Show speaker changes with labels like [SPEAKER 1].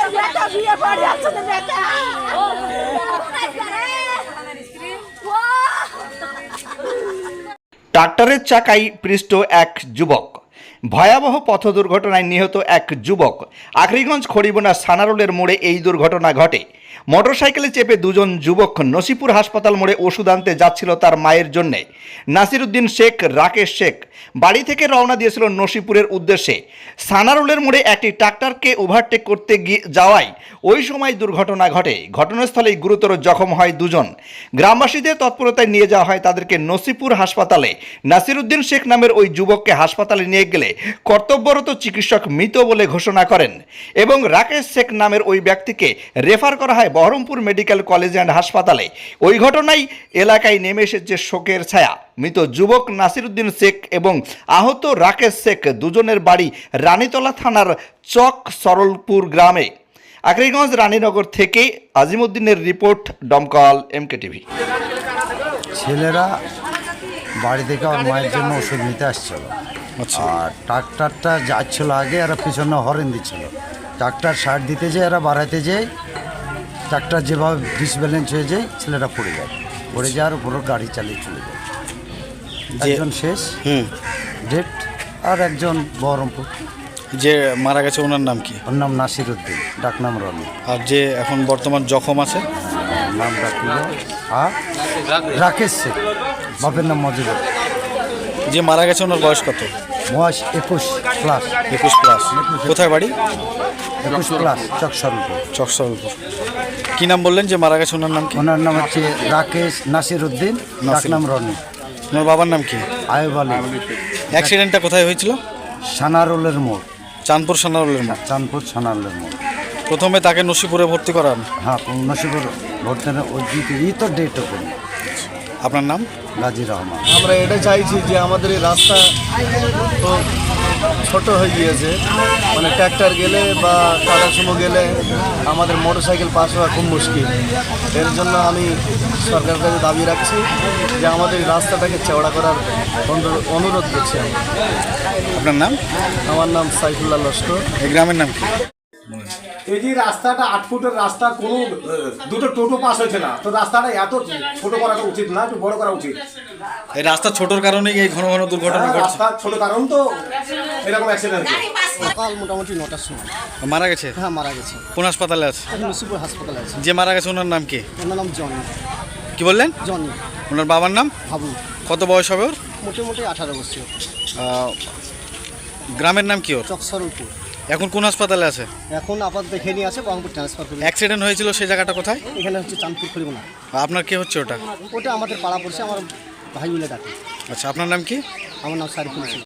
[SPEAKER 1] ট্রাক্টরের চাকায় পৃষ্ঠ এক যুবক। ভয়াবহ পথ দুর্ঘটনায় নিহত এক যুবক। আখরিগঞ্জ খড়িবোনা সানারোলের মোড়ে এই দুর্ঘটনা ঘটে। মোটরসাইকেলে চেপে দুজন যুবক নসিপুর হাসপাতাল মোড়ে ওষুধ আনতে যাচ্ছিল তার মায়ের জন্যে। নাসিরউদ্দিন শেখ, রাকেশ শেখ বাড়ি থেকে রওনা দিয়েছিল নসিপুরের উদ্দেশ্যে। সানারোলের মোড়ে একটি ট্রাক্টরকে ওভারটেক করতে যাওয়ায় ওই সময় দুর্ঘটনা ঘটে। ঘটনাস্থলেই গুরুতর জখম হয় দুজন। গ্রামবাসীদের তৎপরতায় নিয়ে যাওয়া হয় তাদেরকে নসিপুর হাসপাতালে। নাসিরউদ্দিন শেখ নামের ওই যুবককে হাসপাতালে নিয়ে গেলে কর্তব্যরত চিকিৎসক মৃত বলে ঘোষণা করেন এবং রাকেশ শেখ নামের ওই ব্যক্তিকে রেফার করা হয় বহরমপুর মেডিকেল কলেজ অ্যান্ড হাসপাতালে। ওই ঘটনায় এলাকায় নেমে এসেছে শোকের ছায়া। মৃত যুবক নাসিরউদ্দিন শেখ এবং আহত রাকেশ শেখ দুজনের বাড়ি রানীতলা থানার চক সরলপুর গ্রামে। আখরিগঞ্জ রানীনগর থেকে আজিমউদ্দিনের রিপোর্ট, দমকল এমকে টিভি।
[SPEAKER 2] ছেলেরা বাড়ি থেকে আমার মায়ের জন্য ওষুধ নিতে আসছিল, আর ট্রাক্টরটা যাচ্ছিল আগে, এরা পিছনে হরেন দিচ্ছিল। ট্রাক্টর সাইড দিতে যেয়ে এরা বাড়াইতে যেয়ে ট্রাক্টর যেভাবে ডিসব্যালেন্স হয়ে যায়, ছেলেরা পড়ে যাওয়ার পুরো গাড়ি চালিয়ে চলে যায়। একজন শেষ ডেট, আর একজন বহরমপুর।
[SPEAKER 3] যে মারা গেছে ওনার নাম কি?
[SPEAKER 2] ওর নাম নাসিরউদ্দিন, ডাকনাম রনি।
[SPEAKER 3] আর যে এখন বর্তমান জখম আছে
[SPEAKER 2] নাম ডাকিল আর রাকেশ শেখ, বাপের নাম মজিবুর।
[SPEAKER 3] যে মারা গেছে ওনার বয়স কত?
[SPEAKER 2] বয়স 21+।
[SPEAKER 3] 21+। কোথায় বাড়ি?
[SPEAKER 2] 21+, চক
[SPEAKER 3] চকসরলপুর। কি নাম বললেন যে মারা গেছে ওনার নাম কি?
[SPEAKER 2] ওনার নাম হচ্ছে রাকেশ নাসিরউদ্দিন, ডাকনাম রনি।
[SPEAKER 3] ওনার বাবার নাম কি?
[SPEAKER 2] আয়ুব আলী।
[SPEAKER 3] অ্যাক্সিডেন্টটা কোথায় হয়েছিল?
[SPEAKER 2] সানারোলের মোড়,
[SPEAKER 3] চাঁদপুর সানারোলের মোড়।
[SPEAKER 2] চাঁদপুর সানারোলের মোড়।
[SPEAKER 3] প্রথমে তাকে নসিপুরে ভর্তি করান?
[SPEAKER 2] হ্যাঁ, নসিপুর ভর্তি ওই তো ডেট ওপেন।
[SPEAKER 3] আপনার নাম?
[SPEAKER 2] গাজী রহমান।
[SPEAKER 4] আমরা এটা চাইছি যে আমাদের এই রাস্তা তো ছোট হয়ে গিয়েছে, মানে ট্র্যাক্টর গেলে বা টাটা সুমো গেলে আমাদের মোটরসাইকেল পাস হওয়া খুব মুশকিল। এর জন্য আমি সরকারের কাছে দাবি রাখছি যে আমাদের এই রাস্তাটাকে চওড়া করার অনুরোধ করছি আমি।
[SPEAKER 3] আপনার নাম?
[SPEAKER 4] আমার নাম সাইফুল্লাহ লস্কর।
[SPEAKER 3] এই গ্রামের নাম কি?
[SPEAKER 5] এই যে রাস্তাটা 8 ফুটের রাস্তা, কোনো দুটো টোটো পাস হয়েছে না, তো রাস্তাটা এত ছোট করা উচিত না, একটু বড় করা উচিত।
[SPEAKER 3] এই রাস্তা ছোটর কারণেই এই ঘন ঘন দুর্ঘটনা ঘটছে।
[SPEAKER 5] রাস্তা ছোট কারণ তো এরকম অ্যাক্সিডেন্ট হচ্ছে।
[SPEAKER 4] সকাল মোটামুটি 9টার সময়
[SPEAKER 3] মারা গেছে?
[SPEAKER 4] হ্যাঁ, মারা গেছে।
[SPEAKER 3] কোন হাসপাতালে আছে?
[SPEAKER 4] নসিপুর হাসপাতালে আছে।
[SPEAKER 3] যে মারা গেছে ওনার নাম কি?
[SPEAKER 4] ওনার নাম জনি।
[SPEAKER 3] কি বললেন?
[SPEAKER 4] জনি।
[SPEAKER 3] ওনার বাবার নাম?
[SPEAKER 4] হাবু।
[SPEAKER 3] কত বয়স হবে ওর?
[SPEAKER 4] মোটামুটি 18 বছর।
[SPEAKER 3] গ্রামের নাম কি ওর?
[SPEAKER 4] চক সরলপুর।
[SPEAKER 3] এখন কোন হাসপাতালে আছে?
[SPEAKER 4] এখন আপাতত দেখে নিয়ে আছে, বহরমপুর ট্রান্সফার করে।
[SPEAKER 3] অ্যাক্সিডেন্ট হয়েছিল সেই জায়গাটা কোথায়?
[SPEAKER 4] এখানে হচ্ছে চাঁদপুর খড়িবোনা।
[SPEAKER 3] আপনার কে হচ্ছে ওটা?
[SPEAKER 4] ওটা আমাদের পাড়া পড়ছে, আমার ভাই বলে ডাকে।
[SPEAKER 3] আচ্ছা, আপনার নাম কি?
[SPEAKER 4] আমার নাম সারিফুল।